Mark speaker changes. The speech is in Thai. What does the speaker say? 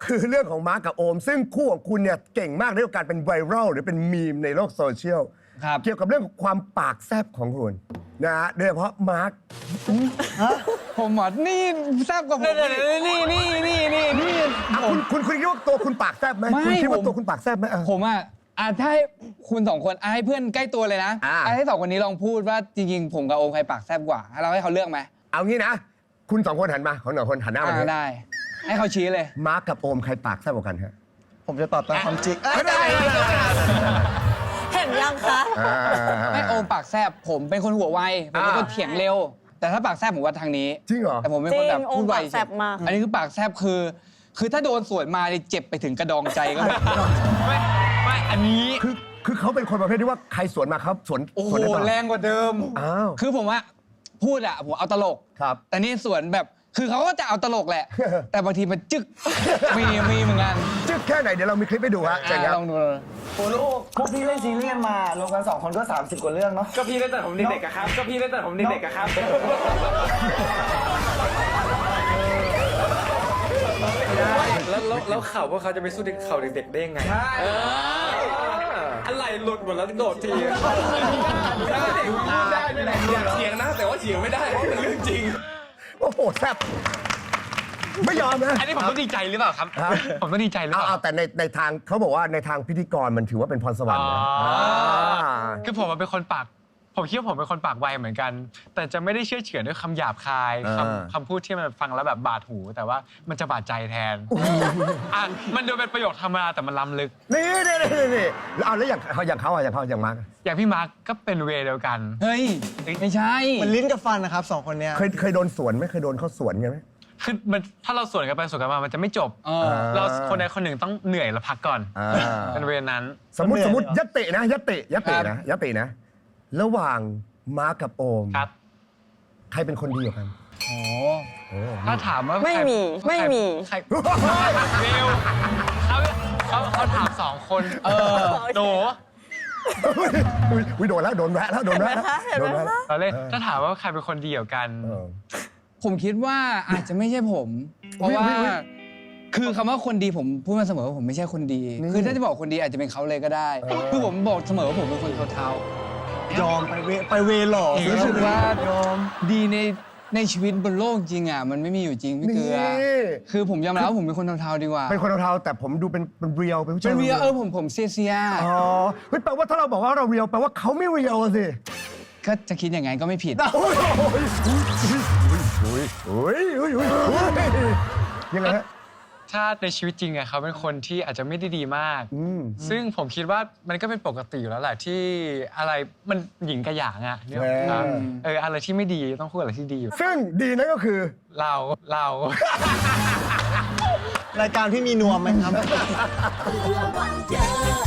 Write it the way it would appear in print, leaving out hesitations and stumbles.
Speaker 1: คือเรื่องของมาร์คกับโอม ซึ่งคู่ของคุณเนี่ยเก่งมากในการเป็นไวรัลหรือเป็นมีมในโลกโซเชียลเกี่ยวกับเรื่องของความปากแซบของคุณนะฮะโดยเฉพาะมาร์ค
Speaker 2: ผมหมดนี่แซบกว่าผมนี่
Speaker 1: คุณคิดว่าตัวคุณปากแซบไหมคุณคิดว่าตัวคุณปากแซบไหม
Speaker 2: ผมถ้าให้คุณสองคนให้เพื่อนใกล้ตัวเลยนะให้สองคนนี้ลองพูดว่าจริงๆผมกับโอมใครปากแซบกว่าเราให้เขาเลือกไหม
Speaker 1: เอางี้นะคุณ2 คนหันมาของ1 คนหันหน้ามา
Speaker 2: ได้ให้เขาชี้เลย
Speaker 1: มาร์คกับโอมใครปากแซบกว่ากันฮะ
Speaker 3: ผมจะตอบตามความจริง
Speaker 1: ได้
Speaker 4: เห็นยังคะ
Speaker 2: ให้โอมปากแซบผมเป็นคนหัวไวผมเป็นคนเถียงเร็วแต่ถ้าปากแซบผมว่าทางนี้
Speaker 1: จริงเหรอ
Speaker 2: แต่ผมเป็นคนแบบพูดไวอันนี้คือปากแซบคือถ้าโดนสวนมาเจ็บไปถึงกระดองใจก็ไม่อันนี้
Speaker 1: คือเขาเป็นคนประเภทที่ว่าใครสวนมาครับสวน
Speaker 2: โอ้โหแรงกว่าเดิมคือผมว่าพูดผมเอาตลก
Speaker 1: ครับ
Speaker 2: แต่นี่สวนแบบคือเขาก็จะเอาตลกแหละแต่บางทีมันจึกมีเหมือนกัน
Speaker 1: จึกแค่ไหนเดี๋ยวเรามีคลิปให้ดูฮะ
Speaker 2: ลองดู
Speaker 3: โอ้ลูกพวกพี่เล่นซีรีส์มารวมกัน2 คนก็30 กว่าเรื่องเนาะ
Speaker 5: ก็พี่เล่นแต่ผมเด็กๆครับก็พี่เล่นแต่ผมเด็กๆครับแล้วเข่าพวกเขาจะไปสู้เข่าเด็กๆได้ยังไงอะไรหลุดหมดแล้วโดดทีอยากเถียงนะแต่ว่าเถียงไม่ได้เพราะมันเรื่องจริง
Speaker 1: โอ้โหแซ่บไม่ยอมนะ
Speaker 2: อันนี้ผมต้องดีใจหรือเปล่าครับผมต้องดีใจหรือเปล่า
Speaker 1: แต่ในทางเขาบอกว่าในทางพิธีกรมันถือว่าเป็นพรสวรรค์นะ
Speaker 6: คือผมเป็นคนปากผมคิดว่าผมเป็นคนปากไวเหมือนกันแต่จะไม่ได้เชื่อเฉือนด้วยคำหยาบคายคำพูดที่มันฟังแล้วแบบบาดหูแต่ว่ามันจะบาดใจแทนมันดูเป็นประโยคธรรมดาแต่มันล้ำลึก
Speaker 1: นี่แล้วอย่างเขาอย่างมาร์ค
Speaker 6: อย่างพี่มาร์คก็เป็นเวย์เดียวกัน
Speaker 2: เฮ้ยไม่ใช่
Speaker 3: มันลิ้นกับฟันนะครับ2 คนเนี้ย
Speaker 1: เคยโดนสวนไหมเคยโดนเขาสวนกันไหม
Speaker 6: คือมันถ้าเราสวนกันไปสวนกันมามันจะไม่จบเราคนใดคนหนึ่งต้องเหนื่อยแล้วพักก่อนเป็นเวย์นั้น
Speaker 1: สมมติยัตตินะระหว่างมาร์คกับโอมใครเป็นคนดีกว่ากัน
Speaker 6: ถ้าถามว่า
Speaker 4: ไม่มี
Speaker 6: ใครเร็วเขาถาม2 คนโด
Speaker 1: โดนแวะแล้ว
Speaker 6: เราเล่นถ้าถามว่าใครเป็นคนดีกว่ากัน
Speaker 2: ผมคิดว่าอาจจะไม่ใช่ผมเพราะว่าคือคำว่าคนดีผมพูดมาเสมอว่าผมไม่ใช่คนดีคือถ้าจะบอกคนดีอาจจะเป็นเขาเลยก็ได้คือผมบอกเสมอว่าผมเป็นคนเทาย
Speaker 3: อมไปเวหล่อ
Speaker 2: รู้สึกว่ายอมดีในชีวิตบนโลกจริงมันไม่มีอยู่จริงพี่เกลือคือผมยอมรับว่าผมเป็นคนเทาๆดีกว่า
Speaker 1: เป็นคนเทาแต่ผมดูเป็นเรียลเป็นผู้ชาย
Speaker 2: เป็นเรียลผมเซีย
Speaker 1: แปลว่าถ้าเราบอกว่าเราเรียลแปลว่าเขาไม่เรียลสิ
Speaker 2: ก็จะคิดอย่างไงก็ไม่ผิด
Speaker 1: ยังไงฮะ
Speaker 6: ถ้าในชีวิตจริงเขาเป็นคนที่อาจจะไม่ได้ดีมากซึ่งผมคิดว่ามันก็เป็นปกติอยู่แล้วแหละที่อะไรมันหญิงกระหยางเนี่ยอะไรที่ไม่ดีต้องพูดอะไรที่ดี
Speaker 1: ซึ่งดีนั่นก็คือ
Speaker 6: เรา
Speaker 3: รายการพี่มีนวมไหมครับ